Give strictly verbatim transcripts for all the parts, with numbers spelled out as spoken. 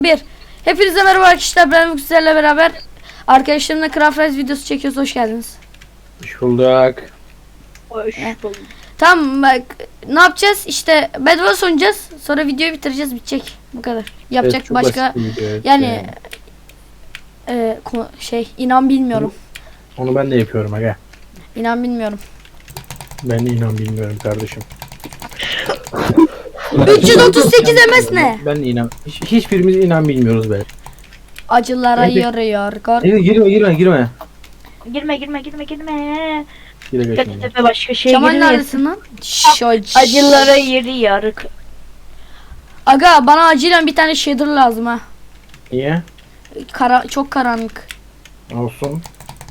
Bir. Hepinize merhaba arkadaşlar, ben sizlerle beraber arkadaşlarımla Craft Rise videosu çekiyoruz. Hoş geldiniz. Hoş bulduk. Hoş bulduk. Tamam, bak ne yapacağız? İşte Bed Wars oynayacağız. Sonra videoyu bitireceğiz, bitecek. Bu kadar. Yapacak Evet, çok başka basit bir video, evet. yani e, ko- şey inan bilmiyorum. Onu ben de yapıyorum aga. İnan bilmiyorum. Ben de inan bilmiyorum kardeşim. üç yüz otuz sekiz M S ne? Ben de inan. Hiç, hiçbirimiz inan bilmiyoruz be. Acılara Evet. yarıyor. Gor- Girme girme girme girme. Girme girme girme girme. Gire Kötü geçme. tepe başka şey Kemal girmeyesin. neredesin lan? Şş, Acılara yeri yarık. Aga bana acilen bir tane shader lazım ha. Niye? Kara çok karanlık. Olsun.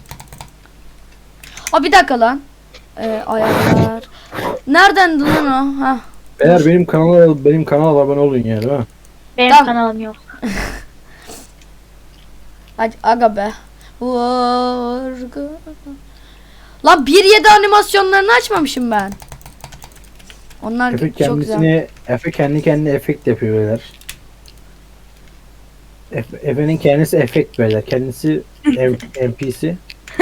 Aa bir dakika lan. Ee, ayarlar. Nereden lan o? Ha. Eğer benim kanala benim kanala abone olun ya, değil mi? Benim Tamam. kanalım yok. Hadi aga be. Vurgu. Lan bir yedi animasyonlarını açmamışım ben. Onlar Efe çok güzel. kendisini Efe kendi kendine efekt yapıyor beyler. Efe, Efe'nin kendisi efekt beyler. Kendisi M- N P C.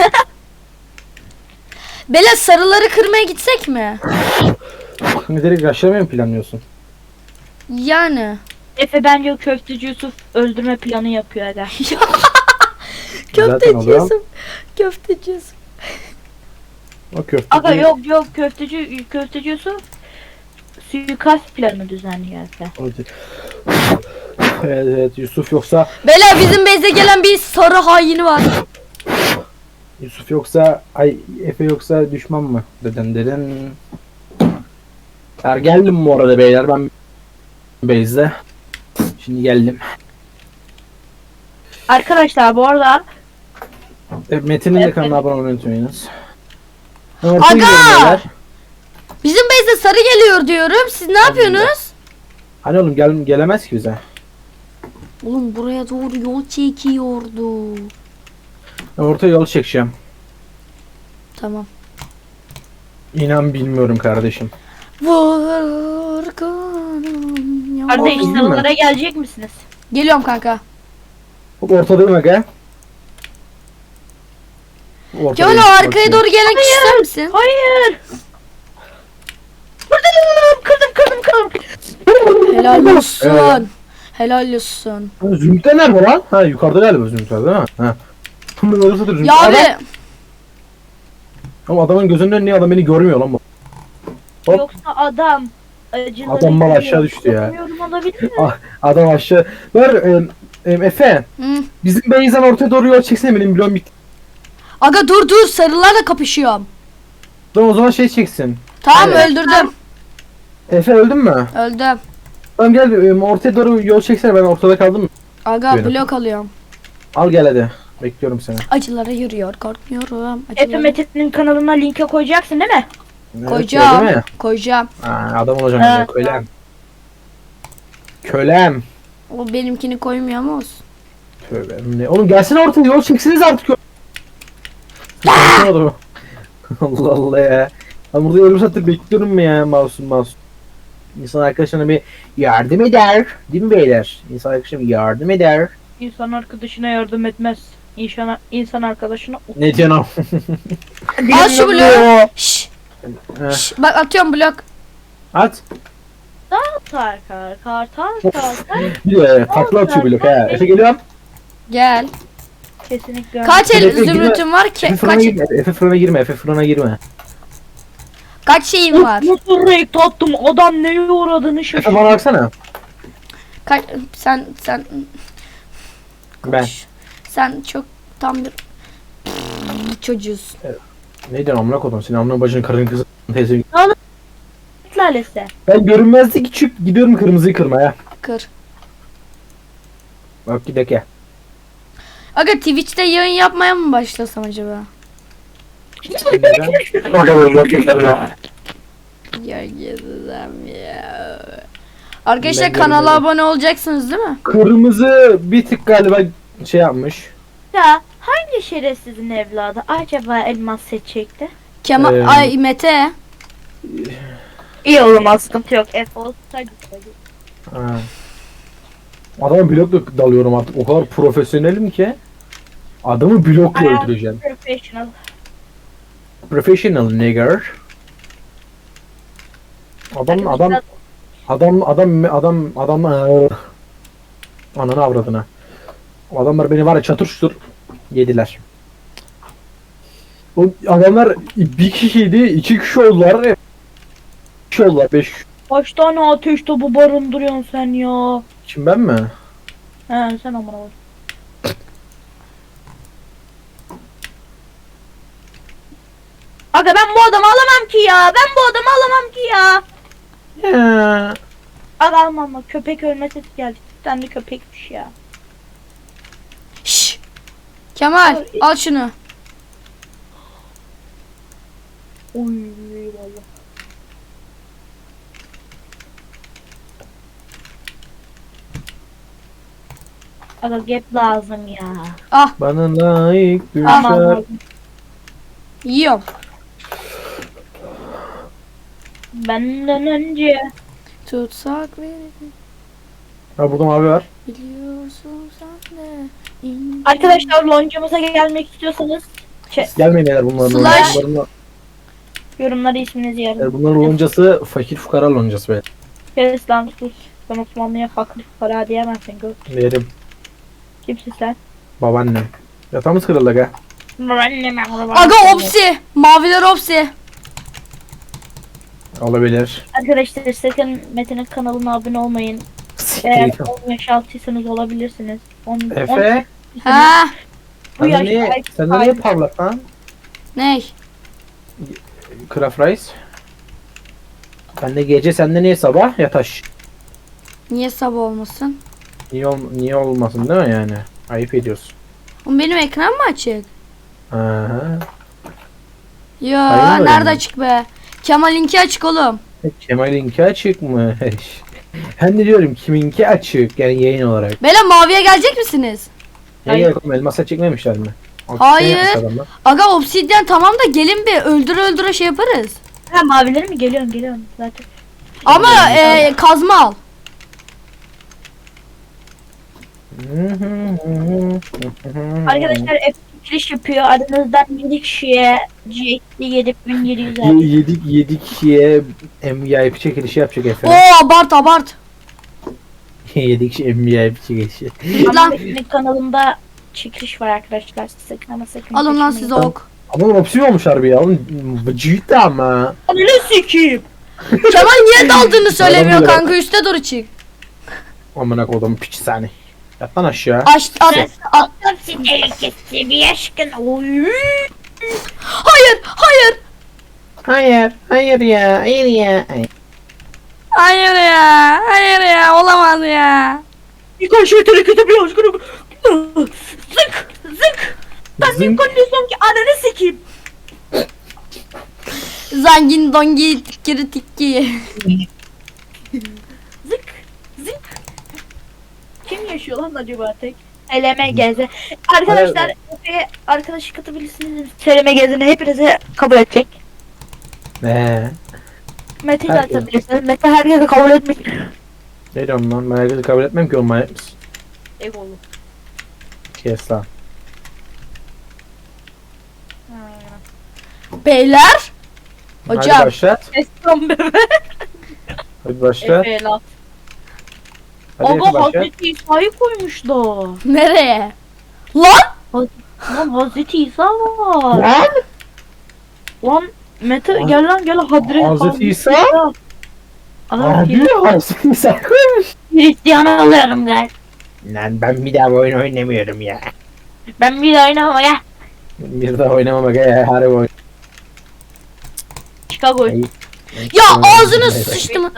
Bela sarıları kırmaya gitsek mi? Şimdi direkt rushlamayı mı planlıyorsun? Yani. Efe bence o köfteci Yusuf öldürme planı yapıyor aga. Zaten Köfteci oluyor. Yusuf. Köfteci Yusuf. O köfte. Aga yok yok köfteci köfteci Yusuf suikast planı düzenliyor Efe. Evet, evet Yusuf yoksa Bela bizim base'e gelen bir sarı haini var. Yusuf yoksa ay Efe yoksa düşman mı? Deden deden. Er geldim bu arada beyler, ben base'de. Şimdi geldim. Arkadaşlar bu arada E, Metin'in de Evet. kanalına abone olmayı unutmayınız. Aga! Bizim base'e sarı geliyor diyorum. Siz ne yapıyorsunuz? Hani oğlum gel gelemez ki bize. Oğlum buraya doğru yol çekiyordu. Ben ortaya yol çekeceğim. Tamam. İnan bilmiyorum kardeşim. Vurgunum ya. kardeş Oldu, değil mi? sarılara gelecek misiniz? Geliyorum kanka. Hop ortadayım aga. Ortadayım, Kemal o arkaya bakıyorum. doğru gelmek ister misin? Hayır. Kırdım kırdım kırdım kırdım. Helal olsun. Evet. Helal olsun. Ha, Zümrütler nerede lan? Ha yukarıda galiba Zümrütler değil mi? Ha. Bunun orası da Zümrüt. Ya Adam- abi Ama adamın gözünün önüne adam beni görmüyor lan bu. Hop. Yoksa adam acıları Adam mal yiyor. aşağı düştü ya. Bilmiyorum, olabilir mi? Ah, adam aşağı. Ver e, e, Efe. Hı. Bizim base'den ortaya doğru yol çeksene, benim bloğum bitti. Aga dur dur sarılarla kapışıyorum. Tamam o zaman şey çeksin. Tamam Evet. öldürdüm. Efe öldün mü? Öldüm. Tamam gel e, ortaya doğru yol çeksene, ben ortada kaldım mı? Aga Buyurun. blok alıyorum. Al gel hadi. Bekliyorum seni. Acılara yürüyor korkmuyorum. Efe Acılara... Metin'in kanalına linke koyacaksın değil mi? Evet, Koyacağım. öyle mi? Koyacağım. Ha, adam olacağım Ha. ya, kölem. Kölem. O benimkini koymuyor ama olsun. Tövbe. Ne? Oğlum gelsene ortaya yol çeksiniz artık. Allah Allah Allah ya. Ben burada yarım saattir bekliyorum mu ya, masum masum. İnsan arkadaşına bir yardım eder. Değil mi beyler? İnsan arkadaşına bir yardım eder. İnsan arkadaşına yardım etmez. İnsan, insan arkadaşına... Ne diyorsun? Al şu bloğu. Şşş. Heh, Şşş. Bak atıyorum blok. At. Kar kar kar kar kar kar. Bir de takla atıyor blok ha. Efe geliyorum. Gel. Kesinlikle. Kaç Efe, el girme. zümrütüm var ki? Efe fırına Kaç, girme. Efe fırına girme. Efe fırına girme. kaç şeyim var? Nasıl renk tattım, adam neye uğradığını Efe şaşırdı. bana baksana. Kaç sen sen Ben. sen çok tam bir çocuğusun. Ne diyorsun amına kodum? Senin amına bacının karının kızı teyze. Lalesi. Ben görünmezlik küçük gidiyorum kırmızıyı kırmaya. Kır. Bak gidek ya. Aga Twitch'te yayın yapmaya mı başlasam acaba? Ya gezeceğim ya. Arkadaşlar Ben kanala görmedim. abone olacaksınız değil mi? Kırmızı bir tık galiba şey yapmış. Ya hangi şerefsizin evladı acaba elmas seçecekti? Kemal Ee, ay Mete. İyi oğlum, sıkıntı yok. F olsaydı. Ha. Adamı blokla dalıyorum artık. O kadar profesyonelim ki. Adamı blokla Bayağı öldüreceğim. Professional. Professional nigger. Adam adam adam adam adam adam Iıı. Ananı avradına. Adamlar beni var ya çatır çutur yediler. O adamlar bir kişiydi, iki kişi oldular. Beş kişi oldular, beş kişi. Kaç tane ateş topu barındırıyorsun sen ya? Kim ben mi? He sen amına bak. Aga ben bu adamı alamam ki ya. Ben bu adamı alamam ki ya. Ya. Aga almam bak, köpek ölme sesi geldi. Sen de köpekmiş ya. Şşş. Kemal al şunu. Oy vallahi. Aga gap lazım ya. Ah Bana layık Aman düşer. lazım. yiyorum. Benden önce. Tutsak verir. Ha burada mavi var. Biliyorsun sen de. ince- Arkadaşlar loncamıza gelmek istiyorsanız şey, Gelmeyin beyler bunların. Slash. Bunların, yorumlara isminizi yazın. bunların loncası fakir fukara loncası be. Kes lan sus. Sen Osmanlı'ya fakir para diyemezsin. Gör. Verim. Kimsin sen? Babaannem. Yatağımız kırıldı aga. Annem Aga opsi. Maviler opsi. Olabilir. Arkadaşlar sakın Metin'in kanalına abone olmayın. Eğer on yaş altıysanız olabilirsiniz. on, on, Efe. Ha. bu Sen de yaş niye, sen de niye parlak lan? Ney? Craft Rice. Ben de gece sende niye sabah yataş? Niye sabah olmasın? Niye, ol, niye olmasın değil mi yani? Ayıp ediyorsun. Oğlum benim ekran mı açık? Aha. Ya Hayır mı nerede öyle? açık be? Kemal'inki açık oğlum. Kemal'inki açık mı? Ben de diyorum kiminki açık yani yayın olarak. Beyler maviye gelecek misiniz? Ne Hayır. gerek oğlum elmasa çekmemişler mi? Hayır. Yapmış adamlar. Aga obsidyen tamam da gelin bir öldüre öldüre şey yaparız. Ha mavileri mi? Geliyorum geliyorum zaten. Ama e, kazma al. Arkadaşlar F giriş yapıyor. Aranızdan yedi kişiye G X D yedi bin yedi yüz Ye- aldı. yedik yedik kişiye M V I P çekilişi yapacak Oo efendim. abart abart. yedik kişi M V I P çekilişi. Ama Lan. Metin'in kanalında çekiliş var arkadaşlar. Sakın ama sakın. Alın lan kaçırmayın. size ok. Ama opsiyon olmuş harbi ya. Oğlum ciddi ama. Ananı sikeyim. Kemal niye daldığını söylemiyor Adam bile kanka üste doğru çık. Amına kodum piç seni. Yat lan aşağı. Aç at, at. Attım seni bir aşkın. Oy. Hayır hayır. Hayır, hayır ya, hayır ya. Hayır ya. Hayır ya olamaz ya. Birkaç şey hareketi bir aşkın. Zık zık. Ben Zınk. Nikon diyorsam ki ananı sikeyim. Zangin dongi tikiri tikki. Zık zık. Kim yaşıyor lan acaba tek? Seleme geze. Arkadaşlar Efe'ye arkadaşı katabilirsiniz. Seleme gezini hepinize kabul edecek. Ne? Mete'yi de Herkes. atabilirsiniz. Mete herkese kabul etmiş. Ne diyorum lan? Ben herkesi kabul etmem ki oğlum manyak mısın? Egolu. Kes lan. Beyler. Hadi Hocam. başlat. Eskan bebe. Hadi başlat. Efe lan. Hadi Efe Aga başlat. Hazreti İsa'yı koymuşlar. Nereye? Lan. Lan Hazreti İsa var. Lan! Lan Mete Haz- gel lan gel Hazreti, Hazreti İsa? Adam Abi Hazreti İsa koymuş. Hristiyan alıyorum gel. Lan ben bir daha bu oyun oynamıyorum ya. Ben bir de oynamam ya. Bir daha oynamamak ya harbi oyun. Chicago. Ay. Ya ağzını sıçtım.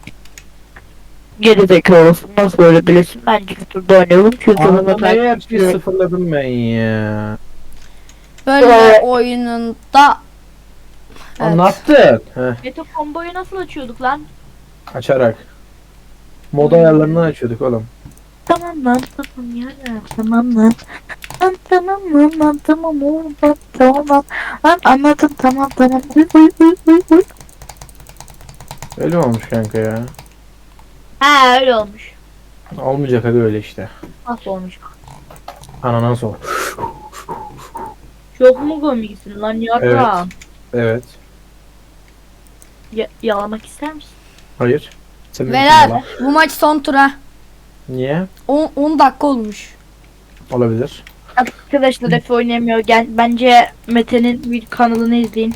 Geri zekalısın nasıl böyle bilirsin ben YouTube'da oynuyorum çünkü Anlamaya bir sıfırladım ben ya. Böyle oyununda. Evet. Anlattın. Heh, Mete komboyu nasıl açıyorduk lan? açarak. Mod ayarlarını açıyorduk oğlum. Tamam lan tamam ya tamam lan. Lan tamam lan lan tamam oğlum lan tamam lan. Lan anladım tamam tamam. Uy uy uy uy uy. Öyle mi olmuş kanka ya? Ha öyle olmuş. Olmayacak abi öyle işte. Nasıl olmuş? Ananan sor. Çok mu komiksin lan yarram? Evet. Ya yalamak ister misin? Hayır. Senin Beyler için yalan. bu maç son tura. Niye? on dakika olmuş. Olabilir. Arkadaşlar Efe oynayamıyor. Gel, bence Mete'nin bir kanalını izleyin.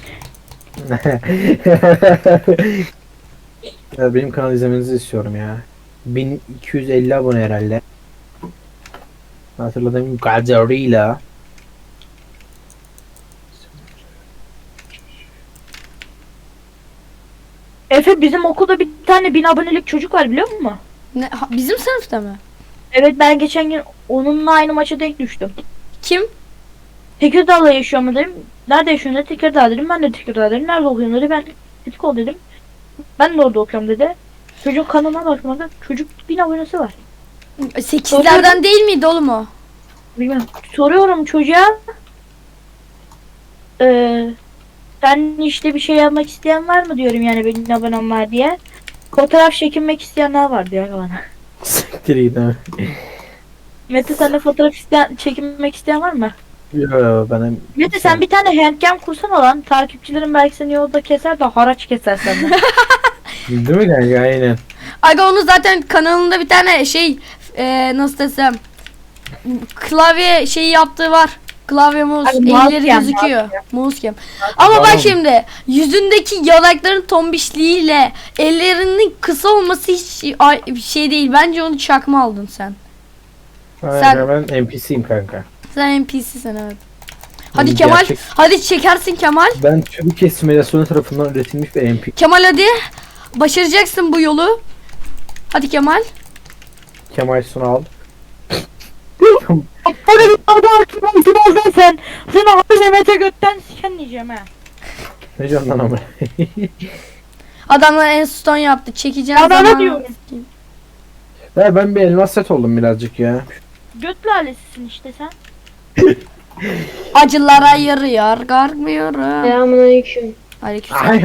Ya benim kanal izlemenizi istiyorum ya. bin iki yüz elli abone herhalde. Hatırladığım kadarıyla. Efe bizim okulda bir tane bin abonelik çocuk var biliyor musun? Ne, ha- bizim sınıfta mı? Evet ben geçen gün onunla aynı maça denk düştüm. Kim? Tekirdağ'da yaşıyor mu dedim. Nerede yaşıyorsun dedi. Tekirdağ dedim. Ben de Tekirdağ dedim. Nerede okuyorsun dedi. Ben Tetikol dedim. Ben de orada okuyorum dedi. Çocuk kanalına baktım. Bak, çocuk bin abonesi var. sekizlerden değil miydi oğlum o? Bilmem. Soruyorum çocuğa. Ee, sen işte bir şey yapmak isteyen var mı diyorum yani benim abonem var diye. Fotoğraf çekinmek isteyenler var diyor bana. Siktir git abi. Mete sen de fotoğraf isteyen, çekinmek isteyen var mı? Yo benim. Mete sen bir tane handcam kursana lan. Takipçilerin belki seni yolda keser de haraç keser senden. Değil mi kanka? Aynen. Aga onun zaten kanalında bir tane şey e, nasıl desem klavye şeyi yaptığı var. Klavye mouse Ay, mouse elleri cam, gözüküyor. Mouse cam. Ama bak Tamam. şimdi yüzündeki yanakların tombişliğiyle ellerinin kısa olması hiç ay- bir şey değil. Bence onu çakma aldın sen. Aynen, Sen- ben N P C'yim kanka. Sen N P C'sin evet. Hadi Hmm, Kemal, gerçek- hadi çekersin Kemal. Ben Türkiye simülasyonu tarafından üretilmiş bir N P C. Kemal hadi. Başaracaksın bu yolu. Hadi Kemal. Kemal Sunal. Hadi bir abartma oldun sen. Seni abi Mete götten siken diyeceğim ha. Ne diyorsun lan ama? Adamlar en stone yaptı. Çekeceğim Ya ben ne zaman. diyorum? Ya ben bir elmas set oldum birazcık ya. Göt lalesisin işte sen. Acılara yarıyor. Gargmıyorum. Selamünaleyküm. Aleykümselam.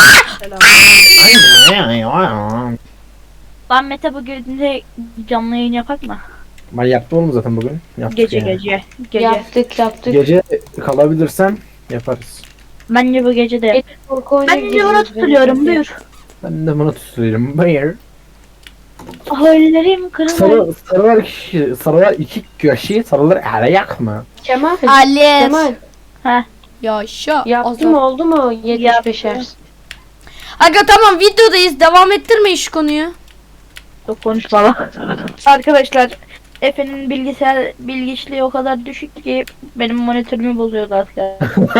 Lan Mete bu girdiğinde canlı yayın yapak mı? Ben yaptım oğlum zaten bugün. Yaptık Gece yani. gece. Gece. Yaptık yaptık. Gece kalabilirsem yaparız. Bence bu gece de yap. Korku oyunu Ben de ona gireceğiz tutuluyorum bence. buyur. Ben de bunu tutuyorum. Bayır. Hayallerim kırılır. Sarı, sarılar kişi, sarılar iki kişi, sarılar ayak mı? Kemal. Ali. Kemal. Yaşa. Yaptı mı oldu mu yetmiş beşer? Aga tamam videodayız. Devam ettirmeyin şu konuyu. Çok konuşma lan. Arkadaşlar Efe'nin bilgisayar bilgiçliği o kadar düşük ki benim monitörümü bozuyordu asker.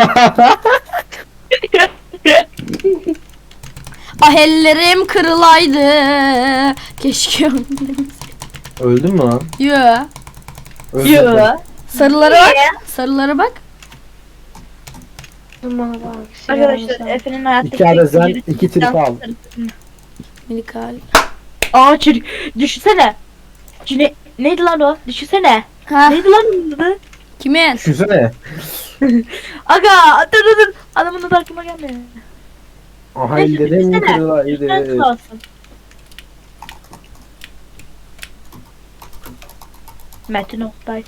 Ah ellerim kırılaydı. Keşke. Öldün mü lan? Yo. Öldüm ben. Yo. Sarılara bak. Sarılara bak. Aman bak. Arkadaşlar Efe'nin hayattaki İki adezen, tek iki trip al. Minikal. Aa çocuk düşünsene. Cine neydi lan o? Düşünsene. Ha Neydi lan onun adı? kimin? Düşünsene. Aga dur dur dur. Adamın adı aklıma gelmedi. Aha Neyse, ellerim düşünsene. Sen kırılaydı. kalsın. Metin Oktay.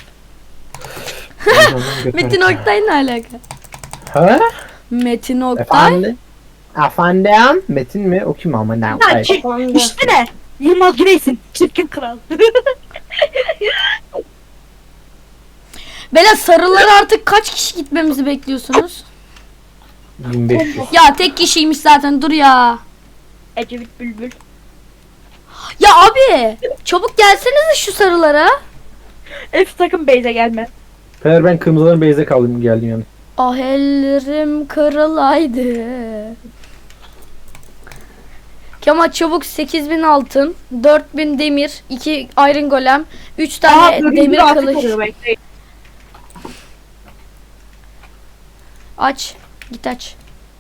Metin Oktay ne alaka? Ha? Metin Oktay. Efendim? Efendim? Metin mi? O kim ama ne? Ha, Oktay. çi- Efendim? işte ne? Yılmaz Güney'sin. Çirkin kral. Bela sarılara artık kaç kişi gitmemizi bekliyorsunuz? bin beş yüz. Ya tek kişiymiş zaten dur ya. Ecevit Bülbül. Ya abi çabuk gelsenize şu sarılara. F sakın Beyze gelme. Fener ben kırmızıların base'e kaldım geldim yani. Ah ellerim kırılaydı. Kemal çabuk sekiz bin altın, dört bin demir, iki iron golem, üç tane dördüncü demir artık kılıç. oluyor, bekleyin. Aç. Git aç.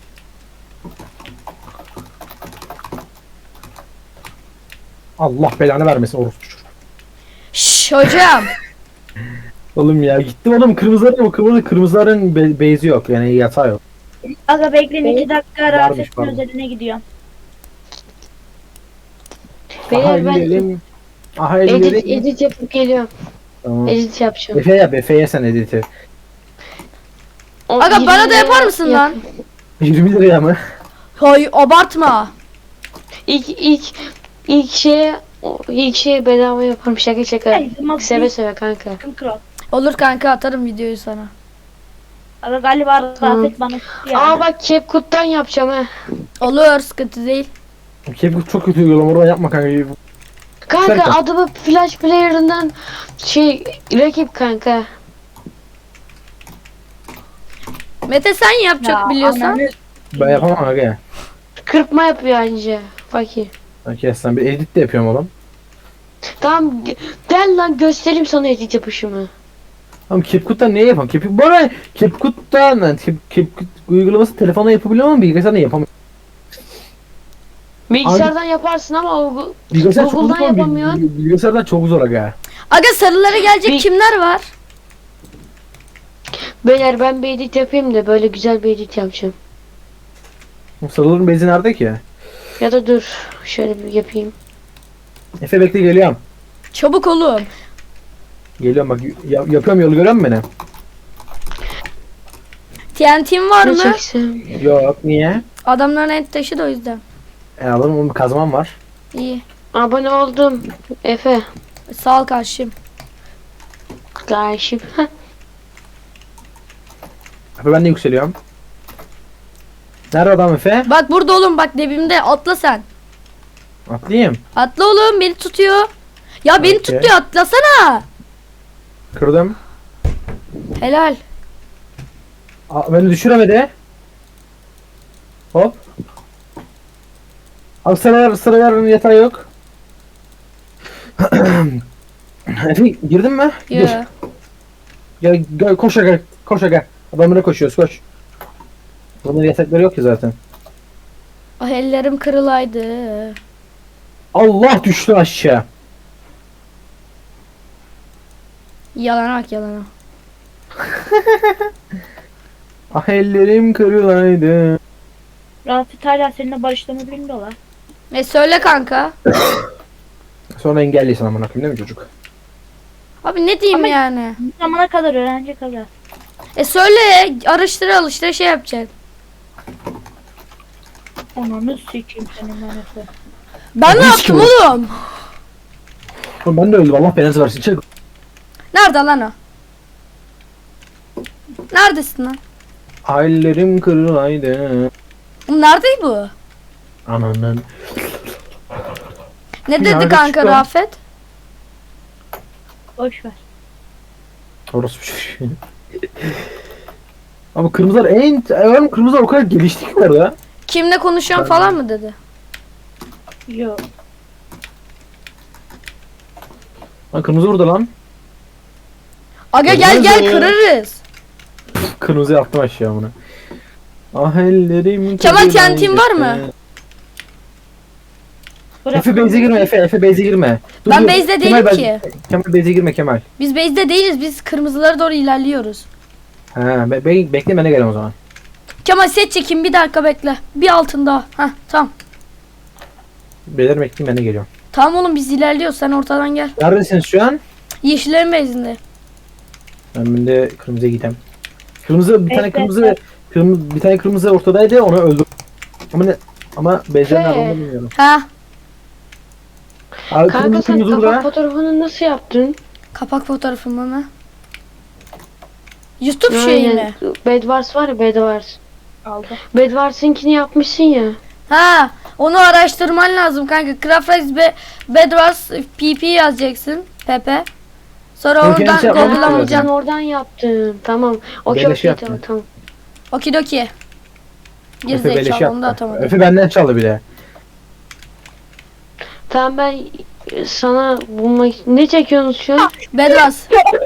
Allah belanı vermesin orospu. Şşş hocam. Oğlum ya gittim oğlum kırmızıların o kırmızı kırmızıların be- base'i yok yani yatağı yok. Aga bekleyin iki dakika rahat Varmış, etsin pardon. özeline gidiyorum. Beyler ben Hallerim. Aha Edit, elleri. edit yapıp geliyorum. Tamam. Edit yapacağım. Efe yap, Efe'ye sen editi. O Aga yirmi bana da yapar liraya mısın yap- lan? yirmi liraya mı? Hay abartma. İlk ilk ilk şeye o- ilk şeye bedava yaparım şaka şaka. Ay, ama Seve bir- seve kanka. Kral. Olur kanka atarım videoyu sana. Aga galiba Tamam. Rafet bana tuttu ya. Aa bak CapCut'tan yapacağım ha. Olur sıkıntı değil. Kepkut çok kötü uygulama, oradan yapma kanka. Kanka Kanka. adımı Flash Player'ından şey rakip kanka. Mete sen yap çok Ya, biliyorsan. ananı- Ben yapamam aga. Kırpma yapıyor anca. Bakayım. Okey sen bir edit de yapıyorum oğlum. Tamam g- gel lan göstereyim sana edit yapışımı. Ama CapCut'tan niye yapamam? Cap bu arada CapCut'tan yani Cap, CapCut uygulaması telefonla yapabiliyor ama bilgisayardan yapamam. Bilgisayardan yaparsın ama o Bilgisayar çok zor Google'dan ama bil- yapamıyorsun. bil- bilgisayardan çok zor aga. Aga sarılara gelecek Bir- kimler var? Beyler ben bir edit yapayım da böyle güzel bir edit yapacağım. Sarıların bezi nerede ki? Ya da dur şöyle bir yapayım. Efe bekle geliyorum. Çabuk oğlum. Geliyorum bak ya- yapıyorum, yolu görüyor musun beni? T N T'in var Ne mı? çeksem? Yok niye? Adamların et taşı da o yüzden. E alırım, onun bir kazmam var. İyi. Abone oldum. Efe. Sağ ol kardeşim. Karşım. Efe ben de yükseliyorum. Nerede adam Efe? Bak burada oğlum bak dibimde atla sen. Atlayayım. Atla oğlum beni tutuyor. Ya beni Okey. tutuyor atlasana. Kırdım. Helal. Aa, beni düşüremedi. Hop. Abi sıralar sıraların yatağı yok. Efe girdin mi? Gir. Ya. Gel, gel koş aga, koş aga. Adamlara koşuyoruz, koş. Bunların yatakları yok ki zaten. Ah ellerim kırılaydı. Allah düştü aşağı. Yalana bak yalana. Ah ellerim kırılaydı. Rafet hala seninle barıştığını bilmiyorlar. E söyle kanka. Sonra engelliysen amına koyayım değil mi çocuk? Abi ne diyeyim Ama- yani? Bu zamana kadar öğrenci kadar. E söyle araştıra alıştıra şey yapacaksın. Ananı sikeyim senin manası. Ben ne Hiç yaptım kim o? oğlum? Oğlum ben de öldüm, Allah belanızı versin. Çık. Nerede lan o? Neredesin lan? Ah ellerim kırılaydı. Oğlum nerede bu? Ananın. Ne dedi Nerede kanka çıktı o? Rafet? Boş ver. Orası bir şey. Ama kırmızılar en... Oğlum kırmızılar o kadar gelişti ki var ya. Kimle konuşuyorsun Ben- falan mı dedi? Yok. Lan kırmızı burada lan. Aga gel gel Kırmızı. kırarız. Kırmızı yaptım aşağı bunu. Ah ellerim Kemal, kırılaydı. kentin var mı? Bırak. Efe base'e girme Efe, Efe base'e girme. Dur, Ben dur. base'de Kemal, değilim ben- ki. Kemal base'e girme Kemal. Biz base'de değiliz. Biz kırmızılara doğru ilerliyoruz. Ha, be, be, bekle ben de geleyim o zaman. Kemal set çekin bir dakika bekle. Bir altın daha. Heh tamam. Beyler bekleyin ben de geliyorum. Tamam oğlum biz ilerliyoruz. Sen ortadan gel. Neredesiniz şu an? Yeşillerin base'inde. Ben de kırmızıya gideyim. Kırmızı bir tane Bekle, kırmızı bekle. kırmızı bir tane kırmızı ortadaydı, onu öldüm. Ama ne ama base'den Fe. nerede olduğunu bilmiyorum. Ha Abi Kanka kırmızı sen kırmızı kapak burada. fotoğrafını nasıl yaptın? kapak fotoğrafımı mı? YouTube şeyi Aynen. mi? Bedwars var ya Bedwars. Aldı. Bedwars'ınkini yapmışsın ya. Ha onu araştırman lazım kanka. Craftrise be Bedwars P P yazacaksın. Pepe. Sonra Ben oradan kendisi yapmam Ha, lazım. Google'lamayacaksın. sen oradan yaptın. Tamam. Okey Beleş okey yaptım. tamam tamam. Okidoki. Efe beleş Gerizekalı onu da yaptı. atamadım. Efe benden çaldı bile. Tamam ben e, sana bulmak... Ne çekiyorsunuz şu an? Bedwars.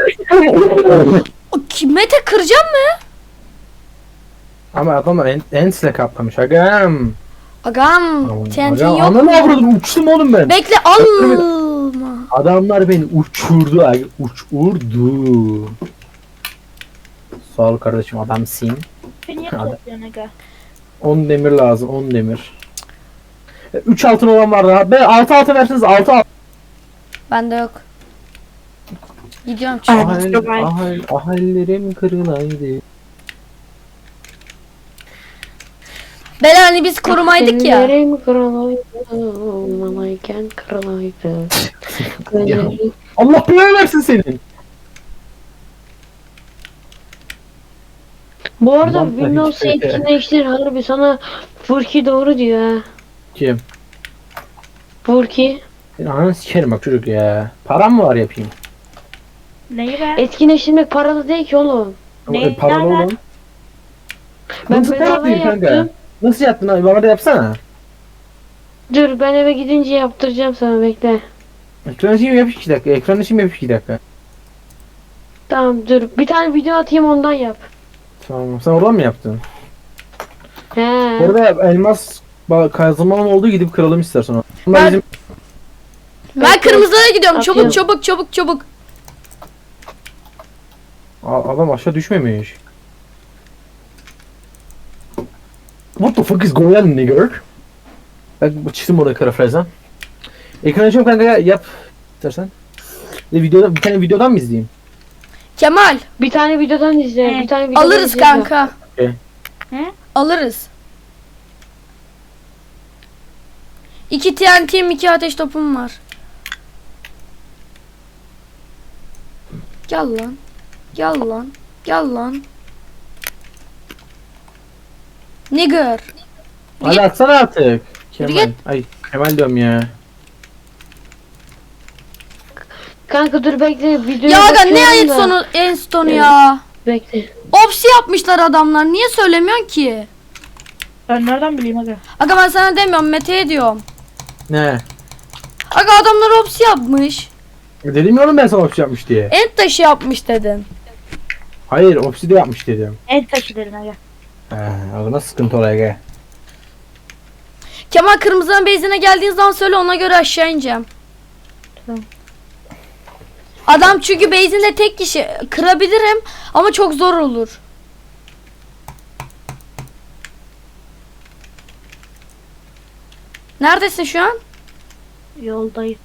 O kim- Mete kıracağım mı? Ama adamlar en, ensle kaplamış. Agam. Agam. T N T Agam. yok Ananı mu? avradım, uçtum oğlum ben. Bekle alma. Adamlar beni uçurdu aga. Uçurdu. Sağ ol kardeşim, adamsın. Beni niye Hadi. topluyorsun aga? on demir lazım, on demir. üç altın olan var daha. Ben altı altın verseniz altı altın. Bende yok. Gidiyorum çünkü. Ay. Ahal, ahal, ahallerim kırılaydı. Bela hani biz korumaydık ya. Ellerim kırılaydı. Malayken kırılaydı. Ellerim- Allah belanı versin senin. Bu arada Vallahi Windows hiç peki. etkinleştir harbi sana Furki doğru diyor ha. Kim? Furki. Senin ananı sikerim bak çocuk ya. Param mı var yapayım? Neyi be? Etkinleştirmek paralı değil ki oğlum. Ne- E, paralı nereden? oğlum. Ben Nasıl bedava yapayım kanka? yaptım. Nasıl yaptın abi? Bana da yapsana. Dur ben eve gidince yaptıracağım sana bekle. Ekran için yap iki dakika. Ekran için yap iki dakika. Tamam dur bir tane video atayım ondan yap. Tamam. Sen oradan mı yaptın? He. Bu arada elmas ba- kazılmanın olduğu gidip kıralım istersen. o. Bunlar Ben- bizim Ben kırmızılara gidiyorum. Atıyorum. Çabuk çabuk çabuk çabuk. A- adam aşağı düşmemiş. What the fuck is going on nigger? Bak bu çizim orada kara frezden. Ekran açıyorum kanka ya, yap istersen. Bir, videoda, bir tane videodan mı izleyeyim? Kemal Bir tane videodan izle. He. Bir tane videodan alırız izle. kanka. Okey. He? Alırız. İki T N T'm, iki ateş topum var. Gel lan. Gel lan. Gel lan. Nigger. Hadi atsana artık. Kemal. git. Ay Kemal diyorum ya. Kanka dur bekle videoya Ya aga ne bakıyorum ayıp da. sonu en sonu ya. Bekle. Opsi yapmışlar adamlar. Niye söylemiyorsun ki? Ben nereden bileyim aga? Aga ben sana demiyorum, Mete'ye diyorum. Ne? Aga adamlar opsi yapmış. E, Dedim ya oğlum ben sana opsi yapmış diye. End taşı yapmış dedin. Hayır opsi de yapmış dedim. En taşı derin aga. He, o nasıl sıkıntı oraya gel. Kemal kırmızının base'ine geldiğin zaman söyle, ona göre aşağı ineceğim. Tamam. Adam çünkü base'inde tek kişi, kırabilirim ama çok zor olur. Neredesin şu an? Yoldayım.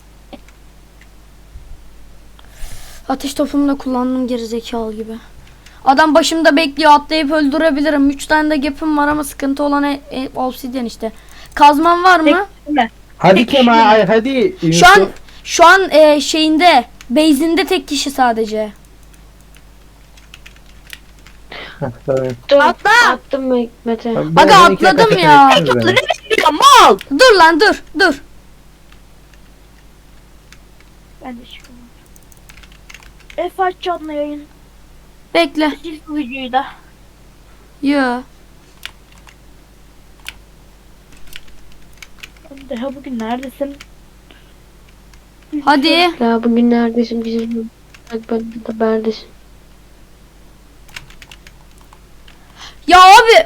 Ateş topumu da kullandım gerizekalı gibi. Adam başımda bekliyor, atlayıp öldürebilirim. üç tane de gap'im var ama sıkıntı olan e, e, obsidian işte. Kazman var mı? Tek Hadi Peki, Kemal şimdi- ay hadi. Şu an şu an e, şeyinde, base'inde tek kişi sadece. Heh, tamam. Dur, Atla! Attım Me- Mete. Ben- ben Aga onu iki atladım dakika ya. çektim ben. Ya mal! Dur lan dur dur. Ben de çıkıyorum. F aç canlı yayın. Bekle. Sil bu videoyu da. Yo. Deha bugün neredesin? Hadi. Ya bugün neredesin bizim? Bak ben de neredesin? Ya abi.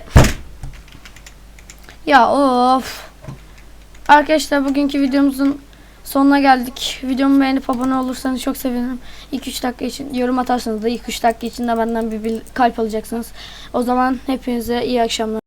Ya of. Arkadaşlar bugünkü videomuzun sonuna geldik. Videomu beğenip abone olursanız çok sevinirim. iki üç dakika için yorum atarsanız da iki üç dakika içinde benden bir, bir kalp alacaksınız. O zaman hepinize iyi akşamlar.